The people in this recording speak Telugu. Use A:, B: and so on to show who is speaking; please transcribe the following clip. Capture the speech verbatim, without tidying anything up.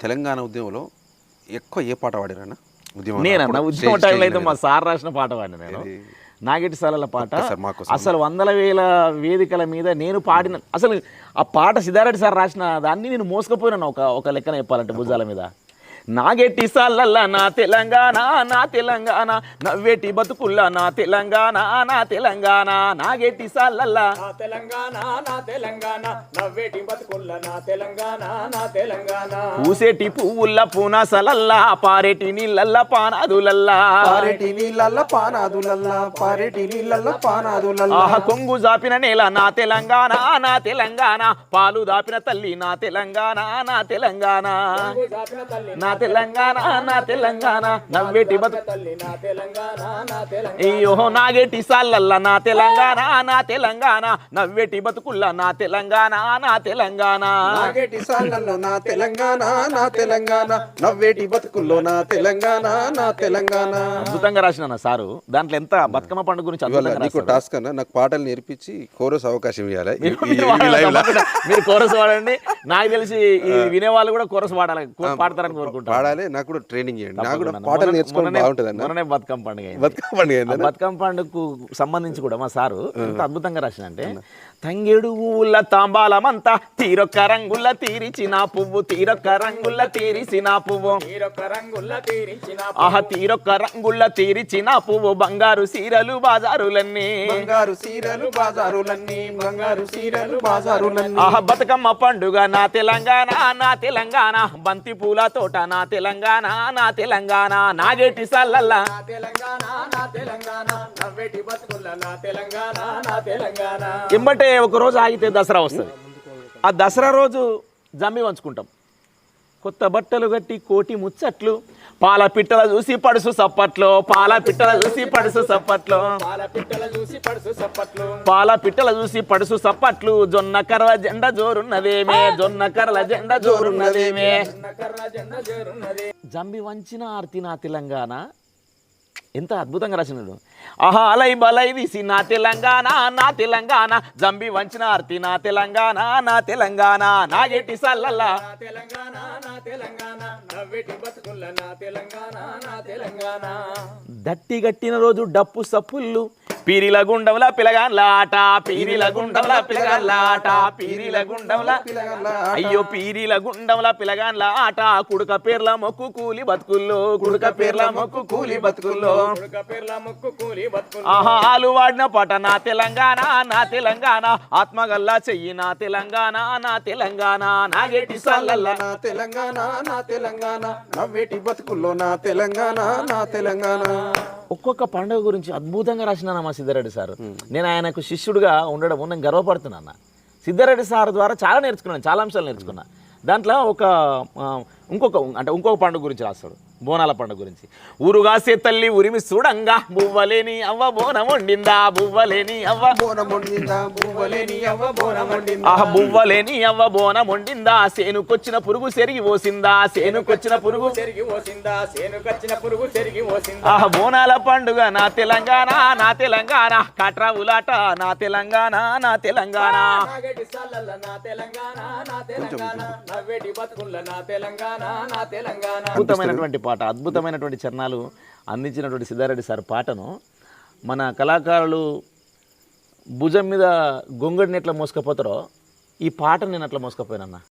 A: తెలంగాణ ఉద్యమంలో ఎక్కువ ఏ పాట పాడారన్న ఉద్యమం?
B: నేనన్న ఉద్యమ టైంలో అయితే మా సార్ రాసిన పాట పాడిన నేను నాగేటి సాలల పాట. అసలు వందల వేల వేదికల మీద నేను పాడిన అసలు ఆ పాట సిద్ధారెడ్డి సార్ రాసిన దాన్ని నేను మోసుకుపోయినాను ఒక ఒక లెక్కన చెప్పాలంటే భుజాల మీద. నాగేటి సాలల్ల నా తెలంగాణ నా తెలంగాణ నవ్వేటి బతుకుల్లా నా తెలంగాణ నా తెలంగాణ నాగేటి సాలల్ల
C: నా తెలంగాణ నా తెలంగాణ నవ్వేటి బతుకుల్లా నా తెలంగాణ నా తెలంగాణ
B: పూసేటి పువ్వుల్ల పూనాసలల్లా పారేటి నీళ్ళల్ల పానాదులల్లా
A: పారేటి నీళ్ళల్ల పానాదులల్లా పారేటి నీళ్ళల్ల పానాదులల్లా
B: ఆహ కొంగు జాపిన నేల నా తెలంగాణ నా తెలంగాణ పాలు దాపిన తల్లి నా తెలంగాణ నా తెలంగాణ నా తెలంగాణ నా తెలంగాణ నవ్వేటి బతుకు
C: తల్లి నా తెలంగాణ నా తెలంగాణ
B: అయ్యో నాగేటి సాలల్ల నా తెలంగాణ నా తెలంగాణ నవ్వేటి బతుకుల్లా నా తెలంగాణ నా తెలంగాణ
A: నాగేటి సాలల్లో నా తెలంగాణ నా తెలంగాణ నవ్వేటి బతుకుల్లో నా తెలంగాణ నా తెలంగాణ.
B: అద్భుతంగా రాసిన సారు. దాంట్లో ఎంత బతుకమ్మ పండుగ గురించి అద్భుతంగా
A: నీకు
B: రాశారు.
A: టాస్క్ అన్న నాకు పాటలు నేర్పించి కోరస్ అవకాశం ఇవ్వాలి.
B: మీరు కోరస్ వాడండి. నాకు తెలిసి ఈ వినేవాళ్ళు కూడా కోరస్ పాడాలి పాడతారని కోరుకుంటారు.
A: పాడాలి. నాకు కూడా ట్రైనింగ్ చేయండి. నాకు కూడా పాటలు నేర్చుకోవడం బాగుంటుంది.
B: మొన్ననే బతుకమ్మ పండుగ అయింది.
A: బతుకమ్మ పండుగ
B: బతుకమ్మ పండుగకు సంబంధించి కూడా మా సారు ఎంత అద్భుతంగా రాసిన అంటే తంగేడు ఊళ్ళ తాంబాలమంతా తీరొక్క రంగుల్ల తీరిచిన పువ్వు తీరొక్క రంగుల్ల తీరిసిన పువ్వు
C: తీరొక్క రంగుల్ల తీరించిన
B: ఆహ తీరొక్క రంగుల్ల తీరిచిన పువ్వు బంగారు సీరలు బాజారులన్నీ
A: బంగారు సీరలు బాజారులన్నీ బంగారు సీరలు బాజారులన్నీ
B: ఆహ బతుకమ్మ పండుగ నా తెలంగాణ నా తెలంగాణ బంతి పూల తోట నా తెలంగాణ నా తెలంగాణ నాగేటి సల్లల్లా
C: నా తెలంగాణ నా తెలంగాణ నవ్వేటి బతుకుల్లా నా తెలంగాణ నా తెలంగాణ
B: ఎంబటే ఒక రోజు ఆగితే దసరా వస్తుంది. ఆ దసరా రోజు జమ్మి వంచుకుంటాం. కొత్త బట్టలు కట్టి కోటి ముచ్చట్లు పాల పిట్టల చూసి పడుసు సప్పట్లో పాల పిట్టల చూసి పడుసు సప్పట్లో
C: పాల పిట్టల చూసి పడుసు సప్పట్లు
B: పాల పిట్టల చూసి పడుసు సప్పట్లు జొన్న కర్ర జెండ జోరున్నదేమే జొన్న కర్ర జెండ జోరున్నదేమే
C: కర్ర జెండ జోరున్నది
B: జంబి వంచిన ఆర్తి నా తెలంగాణ. ఎంత అద్భుతంగా రాసినాడు. ఆహా అలై బలై తీసి నా తెలంగాణ నా తెలంగాణ జంబి వంచిన ఆర్తి నా తెలంగాణ నా తెలంగాణ నాగేటి సల్లల్లా
C: నా తెలంగాణ నా తెలంగాణ నవ్వేటి బతుకుల్లా నా తెలంగాణ నా తెలంగాణ
B: దట్టి గట్టిన రోజు డప్పు సప్పుళ్ళు పీరిల గుండంలా పిలగాన్ల ఆట పీరిల గుండంలా పిలగాన్ల ఆట పీరిల గుండంలా అయ్యో పీరిల గుండంలా పిలగాన్ల ఆట కుడుక పేర్ల మొక్కు కూలి బతుకుల్లో కుడుక పేర్ల మొక్కు కూలి బతుకుల్లో
C: ఉడక పేర్ల ముక్కు కూలి బతుకుల్లా
B: ఆహా ఆలు వాడిన పాట నా తెలంగాణ నా తెలంగాణ ఆత్మగల్లా చెయ్యి నా తెలంగాణ నా తెలంగాణ నాగేటి సల్లల్లా
A: నా తెలంగాణ నా తెలంగాణ నవ్వేటి బతుకుల్లో నా తెలంగాణ నా తెలంగాణ.
B: ఒక్కొక్క పండుగ గురించి అద్భుతంగా రాసిన మా సిద్ధారెడ్డి సార్. నేను ఆయనకు శిష్యుడిగా ఉండడం నేను గర్వపడుతున్నాను. సిద్ధారెడ్డి సార్ ద్వారా చాలా నేర్చుకున్నాను, చాలా అంశాలు నేర్చుకున్నా. దాంట్లో ఒక ఇంకొక అంటే ఇంకొక పండుగ గురించి రాస్తాడు, బోనాల పండుగ గురించి. ఊరుగాసే తల్లి ఉరిమి చూడంగా బువ్వలేని అవ్వ బోనం వండిందా బువ్వలేని అవ్వ
A: బోనం వండిందా బువ్వలేని అవ్వ బోనం వండిందా
B: ఆహ బువ్వలేని అవ్వ బోనం వండిందా సేనుకొచ్చిన పురుగు సెరిగి పోసిందా సేనుకొచ్చిన పురుగు
C: చెరిగి పోసిందా సేనుకొచ్చిన పురుగు చెరిగి పోసిందా
B: ఆహ బోనాల పండుగ నా తెలంగాణ నా తెలంగాణ కట్రా ఉలాట నా తెలంగాణ నా తెలంగాణ
C: నాగేటి సాలల్ల నా తెలంగాణ నా తెలంగాణ నవ్వేటి బతుకుల్లా నా తెలంగాణ నా తెలంగాణ
B: అద్భుతమైనటువంటి పాట, అద్భుతమైనటువంటి చరణాలు అందించినటువంటి సిద్ధారెడ్డి సార్ పాటను మన కళాకారులు భుజం మీద గొంగడిని ఎట్లా మోసుకపోతారో ఈ పాటను నేను అట్లా మోసుకపోయానన్న.